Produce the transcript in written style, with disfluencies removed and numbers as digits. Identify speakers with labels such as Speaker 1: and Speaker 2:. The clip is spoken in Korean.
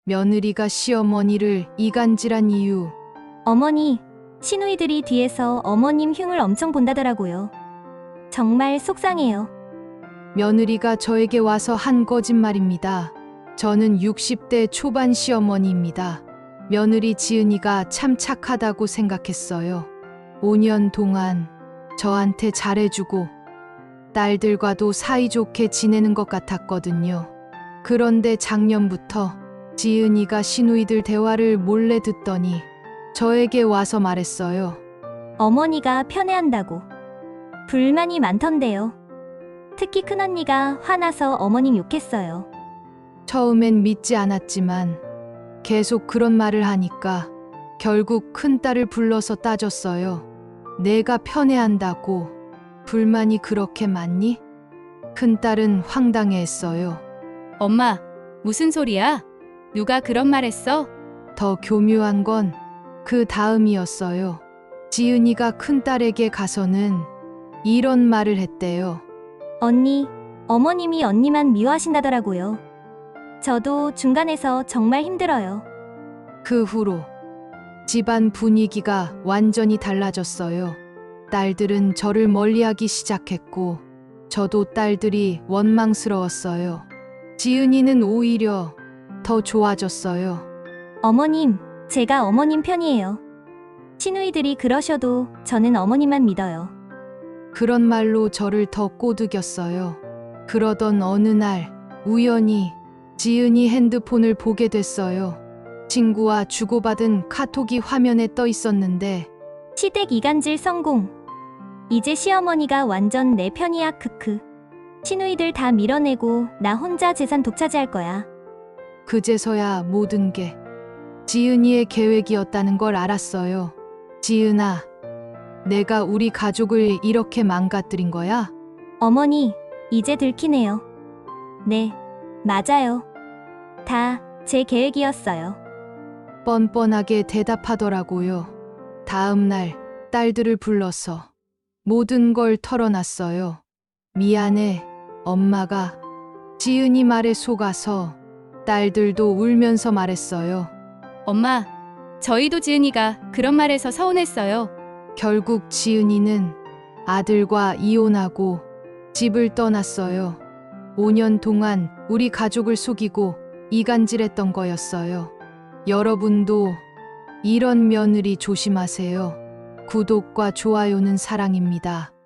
Speaker 1: 며느리가 시어머니를 이간질한 이유.
Speaker 2: 어머니, 시누이들이 뒤에서 어머님 흉을 엄청 본다더라고요. 정말 속상해요.
Speaker 1: 며느리가 저에게 와서 한 거짓말입니다. 저는 60대 초반 시어머니입니다. 며느리 지은이가 참 착하다고 생각했어요. 5년 동안 저한테 잘해주고 딸들과도 사이좋게 지내는 것 같았거든요. 그런데 작년부터 지은이가 시누이들 대화를 몰래 듣더니 저에게 와서 말했어요.
Speaker 2: 어머니가 편애한다고. 불만이 많던데요. 특히 큰언니가 화나서 어머님 욕했어요.
Speaker 1: 처음엔 믿지 않았지만 계속 그런 말을 하니까 결국 큰딸을 불러서 따졌어요. 내가 편애한다고 불만이 그렇게 많니? 큰딸은 황당해했어요.
Speaker 3: 엄마, 무슨 소리야? 누가 그런 말 했어?
Speaker 1: 더 교묘한 건 그 다음이었어요. 지은이가 큰딸에게 가서는 이런 말을 했대요.
Speaker 2: 언니, 어머님이 언니만 미워하신다더라고요. 저도 중간에서 정말 힘들어요.
Speaker 1: 그 후로 집안 분위기가 완전히 달라졌어요. 딸들은 저를 멀리하기 시작했고 저도 딸들이 원망스러웠어요. 지은이는 오히려 더 좋아졌어요.
Speaker 2: 어머님, 제가 어머님 편이에요. 시누이들이 그러셔도 저는 어머님만 믿어요.
Speaker 1: 그런 말로 저를 더 꼬드겼어요. 그러던 어느 날 우연히 지은이 핸드폰을 보게 됐어요. 친구와 주고받은 카톡이 화면에 떠 있었는데
Speaker 2: 시댁 이간질 성공. 이제 시어머니가 완전 내 편이야 크크. 시누이들 다 밀어내고 나 혼자 재산 독차지할 거야.
Speaker 1: 그제서야 모든 게 지은이의 계획이었다는 걸 알았어요. 지은아, 내가 우리 가족을 이렇게 망가뜨린 거야?
Speaker 2: 어머니, 이제 들키네요. 네, 맞아요. 다 제 계획이었어요.
Speaker 1: 뻔뻔하게 대답하더라고요. 다음 날 딸들을 불러서 모든 걸 털어놨어요. 미안해, 엄마가. 지은이 말에 속아서 딸들도 울면서 말했어요.
Speaker 3: 엄마, 저희도 지은이가 그런 말해서 서운했어요.
Speaker 1: 결국 지은이는 아들과 이혼하고 집을 떠났어요. 5년 동안 우리 가족을 속이고 이간질했던 거였어요. 여러분도 이런 며느리 조심하세요. 구독과 좋아요는 사랑입니다.